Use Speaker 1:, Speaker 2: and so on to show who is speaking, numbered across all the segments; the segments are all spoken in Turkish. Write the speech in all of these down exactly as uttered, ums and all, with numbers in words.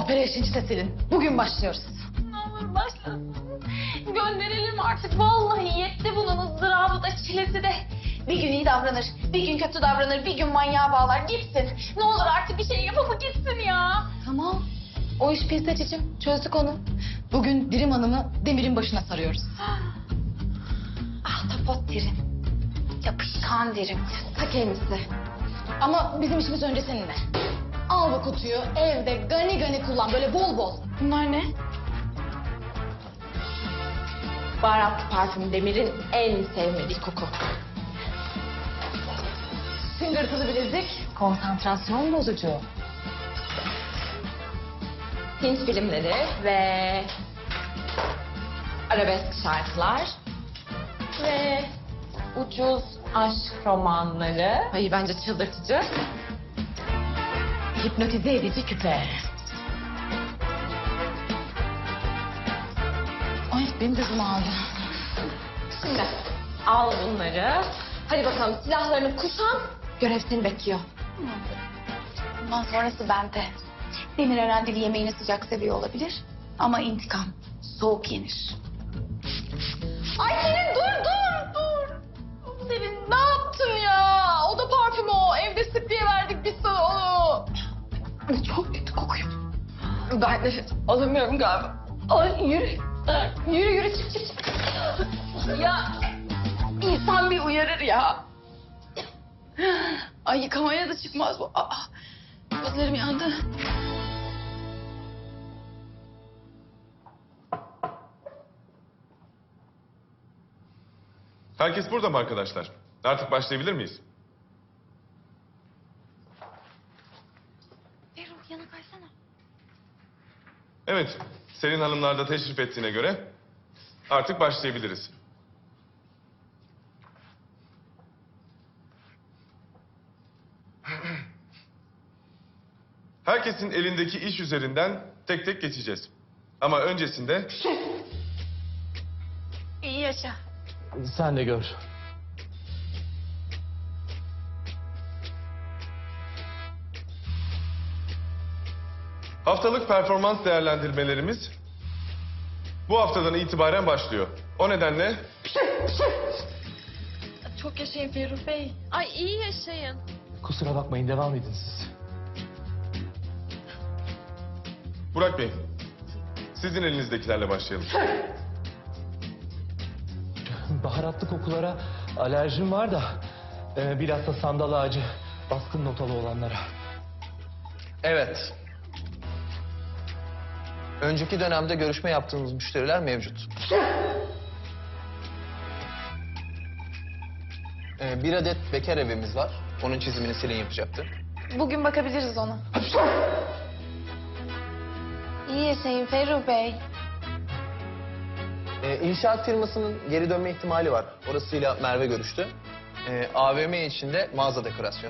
Speaker 1: Operation Çisesel'in. Bugün başlıyoruz.
Speaker 2: Ne olur başlasın. Gönderelim artık. Vallahi yetti bunun ızdırabı da çilesi de. Bir gün iyi davranır, bir gün kötü davranır, bir gün manyağa bağlar gitsin. Ne olur artık bir şey yapıp gitsin ya.
Speaker 1: Tamam. O iş pis cicim. Çözdük onu. Bugün Dirim Hanım'ı Demir'in başına sarıyoruz.
Speaker 2: Ahtapot derim. Yapışkan derim.
Speaker 1: Ta kendisi. Ama bizim işimiz önce seninle. Al bu kutuyu evde gani gani kullan böyle bol bol.
Speaker 2: Bunlar ne? Baharatlı parfüm Demir'in en sevmediği koku.
Speaker 1: Tıngırtılı bilezik. Konsantrasyon bozucu.
Speaker 2: Hint filmleri ve arabesk şarkılar ve ucuz aşk romanları.
Speaker 1: Ay bence çıldırtıcı. Hipnotize edici küpe. Ay benim de aldı.
Speaker 2: Şimdi al bunları. Hadi bakalım silahlarını kuşan. Görev seni bekliyor.
Speaker 3: Bundan sonrası bende. Demir Erendil yemeğini sıcak seviyor olabilir. Ama intikam soğuk yenir.
Speaker 2: Ay Selin dur dur dur. Selin ne yaptın ya? O da parfüm o. Evde sık diye verdik biz sana onu. Çok kötü kokuyor. Ben nefes alamıyorum galiba. Ay yürü. Yürü yürü çık çık çık. Ya insan bir uyarır ya.
Speaker 3: Ay yıkamaya da çıkmaz bu. Aa, gözlerim yandı.
Speaker 4: Herkes burada mı arkadaşlar? Artık başlayabilir miyiz?
Speaker 3: Ferruh yana kaysana.
Speaker 4: Evet, Selin Hanımlar da teşrif ettiğine göre artık başlayabiliriz. Herkesin elindeki iş üzerinden tek tek geçeceğiz. Ama öncesinde
Speaker 3: İyi yaşa.
Speaker 5: Sen de gör.
Speaker 4: haftalık performans değerlendirmelerimiz bu haftadan itibaren başlıyor. O nedenle
Speaker 2: Çok yaşayın Ferruh Bey. Ay iyi yaşayın.
Speaker 5: Kusura bakmayın, devam edin siz.
Speaker 4: Burak Bey, sizin elinizdekilerle başlayalım.
Speaker 5: Baharatlı kokulara alerjim var da... E, bilhassa sandal ağacı baskın notalı olanlara.
Speaker 6: Evet. Önceki dönemde görüşme yaptığımız müşteriler mevcut. Ee, bir adet bekar evimiz var. Onun çizimini Selin yapacaktı.
Speaker 3: Bugün bakabiliriz ona. İyi yaşayın Ferruh Bey.
Speaker 6: Ee, inşaat firmasının geri dönme ihtimali var. Orasıyla Merve görüştü. Ee, A V M içinde mağaza dekorasyonu.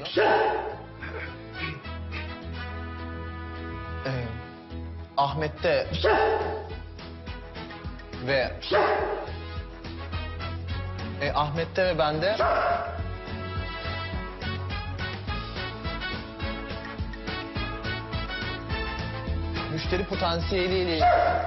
Speaker 6: Ee, Ahmet'te ve e, Ahmet'te ve bende müşteri potansiyeliyle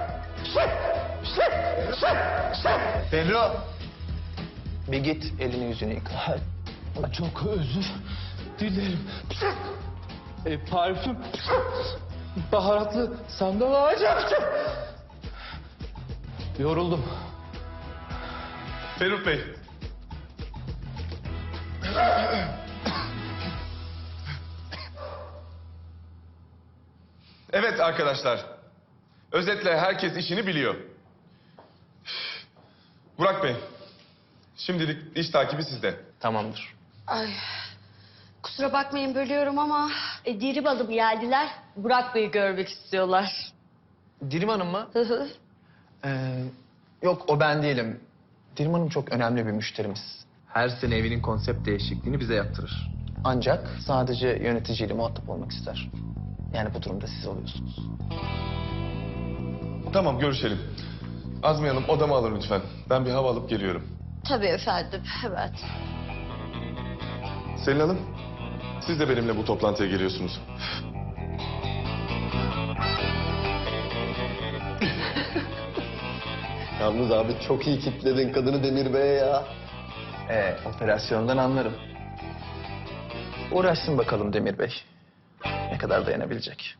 Speaker 6: Ferro, bir git elini yüzünü yıka.
Speaker 5: Çok özür dilerim. E, parfüm, baharatlı sandal ağacı. Yoruldum.
Speaker 4: Ferruh Bey. Evet arkadaşlar. Özetle herkes işini biliyor. Burak Bey. Şimdilik iş takibi sizde.
Speaker 6: Tamamdır.
Speaker 7: Ay, kusura bakmayın bölüyorum ama e, Dirim Hanım geldiler. Burak Bey'i görmek istiyorlar.
Speaker 6: Dirim Hanım mı?
Speaker 7: Hı hı.
Speaker 6: Ee, yok o ben değilim. Dirim Hanım çok önemli bir müşterimiz. Her sene evinin konsept değişikliğini bize yaptırır. Ancak sadece yöneticiyle muhatap olmak ister. Yani bu durumda siz oluyorsunuz.
Speaker 4: Tamam görüşelim. Azmiye Hanım odamı alın lütfen. Ben bir hava alıp geliyorum.
Speaker 7: Tabii efendim, evet.
Speaker 4: Selin Hanım, siz de benimle bu toplantıya geliyorsunuz.
Speaker 8: Yalnız abi çok iyi kitledin kadını Demir Bey'e ya.
Speaker 6: Ee, operasyondan anlarım. Uğraşsın bakalım Demir Bey. Ne kadar dayanabilecek.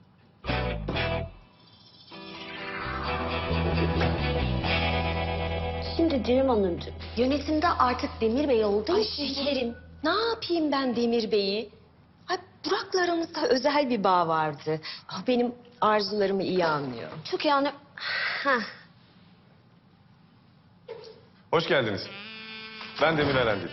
Speaker 7: Şimdi Dirim Hanımcığım, yönetimde artık Demir Bey olduğu
Speaker 9: Ay
Speaker 7: için...
Speaker 9: şekerim, ne yapayım ben Demir Bey'i? Ay Burak'la aramızda özel bir bağ vardı. Ah, benim arzularımı iyi anlıyor.
Speaker 7: Çok yani... Heh.
Speaker 4: Hoş geldiniz. Ben Demir Erendil.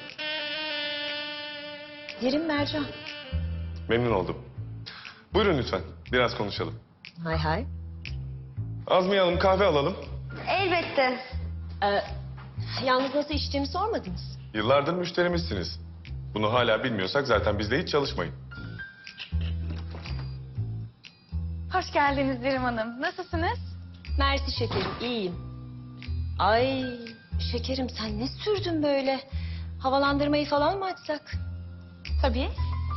Speaker 9: Derin Mercan.
Speaker 4: Memnun oldum. Buyurun lütfen. Biraz konuşalım.
Speaker 9: Hay hay.
Speaker 4: Azmiye Hanım kahve alalım.
Speaker 7: Elbette.
Speaker 9: Ee, yalnız nasıl içtiğimi sormadınız.
Speaker 4: Yıllardır müşterimizsiniz. Bunu hala bilmiyorsak zaten bizle hiç çalışmayın.
Speaker 3: Hoş geldiniz Dirim Hanım. Nasılsınız?
Speaker 9: Mersi şekerim, iyiyim. Ay şekerim sen ne sürdün böyle? Havalandırmayı falan mı açsak?
Speaker 3: Tabii.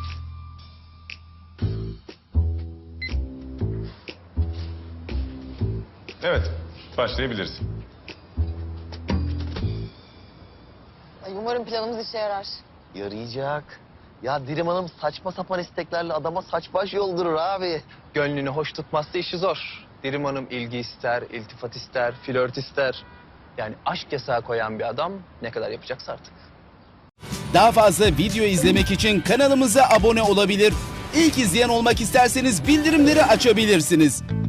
Speaker 4: Evet, başlayabiliriz.
Speaker 1: Umarım planımız işe yarar.
Speaker 8: Yarayacak. Ya Dirim Hanım saçma sapan isteklerle adama saç baş yoldurur abi.
Speaker 6: Gönlünü hoş tutmazsa işi zor. Dirim Hanım ilgi ister, iltifat ister, flört ister. Yani aşk yasağı koyan bir adam ne kadar yapacaksa artık.
Speaker 10: Daha fazla video izlemek için kanalımıza abone olabilir. İlk izleyen olmak isterseniz bildirimleri açabilirsiniz.